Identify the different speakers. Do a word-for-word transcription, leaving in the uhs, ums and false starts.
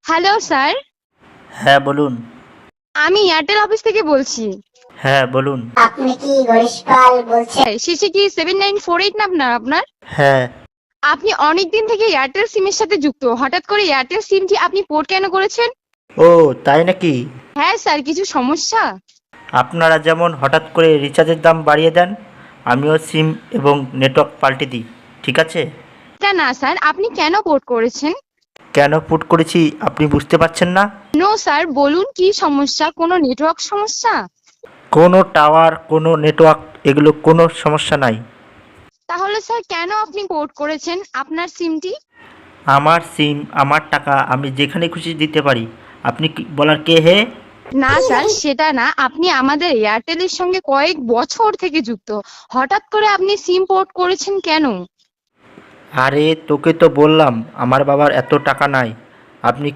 Speaker 1: Hello sir,
Speaker 2: হ্যাঁ বলুন।
Speaker 1: আমি এয়ারটেল অফিস থেকে বলছি।
Speaker 2: হ্যাঁ বলুন।
Speaker 3: আপনি কি গণেশপাল বলছেন?
Speaker 1: হ্যাঁ, শেষে কি সেভেন নাইন ফোর এইট না আপনার আপনার
Speaker 2: হ্যাঁ।
Speaker 1: আপনি অনেকদিন থেকে এয়ারটেল সিমের সাথে যুক্ত, হঠাৎ করে এয়ারটেল সিমটি আপনি পোর্ট কেন করেছেন?
Speaker 2: ও তাই নাকি?
Speaker 1: হ্যাঁ স্যার, কিছু সমস্যা?
Speaker 2: আপনারা যেমন হঠাৎ করে রিচার্জের দাম বাড়িয়ে দেন, আমিও সিম এবং নেটওয়ার্ক পাল্টে দিই, ঠিক আছে?
Speaker 1: এটা না স্যার, আপনি কেন পোর্ট করেছেন?
Speaker 2: কেন পুট করেছি আপনি বুঝতে পারছেন না?
Speaker 1: নো স্যার, বলুন কি সমস্যা, কোনো নেটওয়ার্ক সমস্যা?
Speaker 2: কোনো টাওয়ার, কোনো নেটওয়ার্ক, এগুলো কোনো সমস্যা নাই।
Speaker 1: তাহলে স্যার কেন আপনি পোর্ট করেছেন আপনার সিমটি?
Speaker 2: আমার সিম, আমার টাকা, আমি যেখানে খুশি দিতে পারি। আপনি কি বলার কে হে?
Speaker 1: না স্যার, সেটা না, আপনি আমাদের এয়ারটেলের সঙ্গে কয়েক বছর থেকে যুক্ত, হঠাৎ করে আপনি সিম পোর্ট করেছেন কেন?
Speaker 2: আরে তোকে তো বললাম আমার বাবার এত টাকা নাই। আপনি